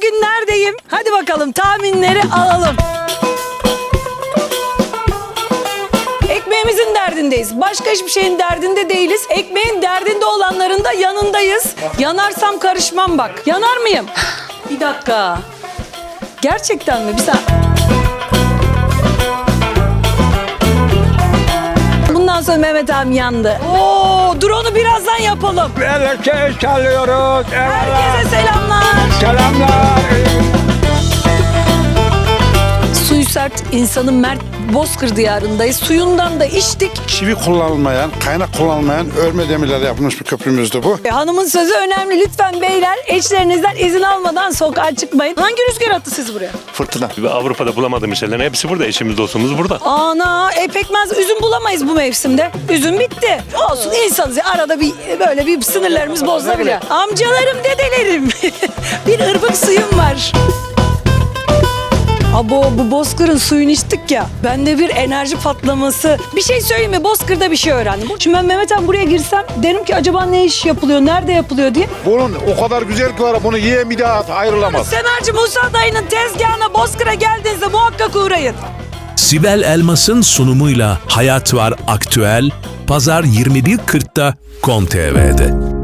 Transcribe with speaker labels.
Speaker 1: Bugün neredeyim? Hadi bakalım tahminleri alalım. Ekmeğimizin derdindeyiz. Başka hiçbir şeyin derdinde değiliz. Ekmeğin derdinde olanların da yanındayız. Yanarsam karışmam bak. Yanar mıyım? Bir dakika. Gerçekten mi? Bir saniye. Bundan sonra Mehmet abi yandı. Oo, drone'u birazdan yapalım.
Speaker 2: Elektrik çalıyoruz.
Speaker 1: Herkese selamlar.
Speaker 2: Selamlar.
Speaker 1: Suyu sert, insanın mert Bozkır diyarındayız. Suyundan da içtik.
Speaker 3: Çivi kullanılmayan, kaynak kullanılmayan örme demirlerle yapılmış bir köprümüzdü bu.
Speaker 1: Hanımın sözü önemli. Lütfen beyler eşlerinizden izin almadan sokağa çıkmayın. Hangi rüzgar attı sizi buraya?
Speaker 3: Fırtına.
Speaker 4: Avrupa'da bulamadığım şeylerin hepsi burada. Eşimiz, dostumuz burada.
Speaker 1: Ana, pekmez, üzüm bulamayız bu mevsimde. Üzüm bitti. Olsun, insanız ya. Arada bir böyle bir sınırlarımız bozulabiliyor. Amcalarım, dedelerim. Bir ırmak suyum var. Abo, bu Bozkır'ın suyunu içtik ya. Bende bir enerji patlaması. Bir şey söyleyeyim mi? Bozkır'da bir şey öğrendim. Şimdi ben Mehmet abi buraya girsem derim ki acaba ne iş yapılıyor, nerede yapılıyor diye.
Speaker 3: Bunun o kadar güzel ki var, bunu yiyen bir daha ayrılamaz.
Speaker 1: Senarcı Musa dayının tezgahına Bozkır'a geldiğinizde muhakkak uğrayın.
Speaker 5: Sibel Elmas'ın sunumuyla Hayat Var Aktüel, Pazar 21.40'da KON TV'de.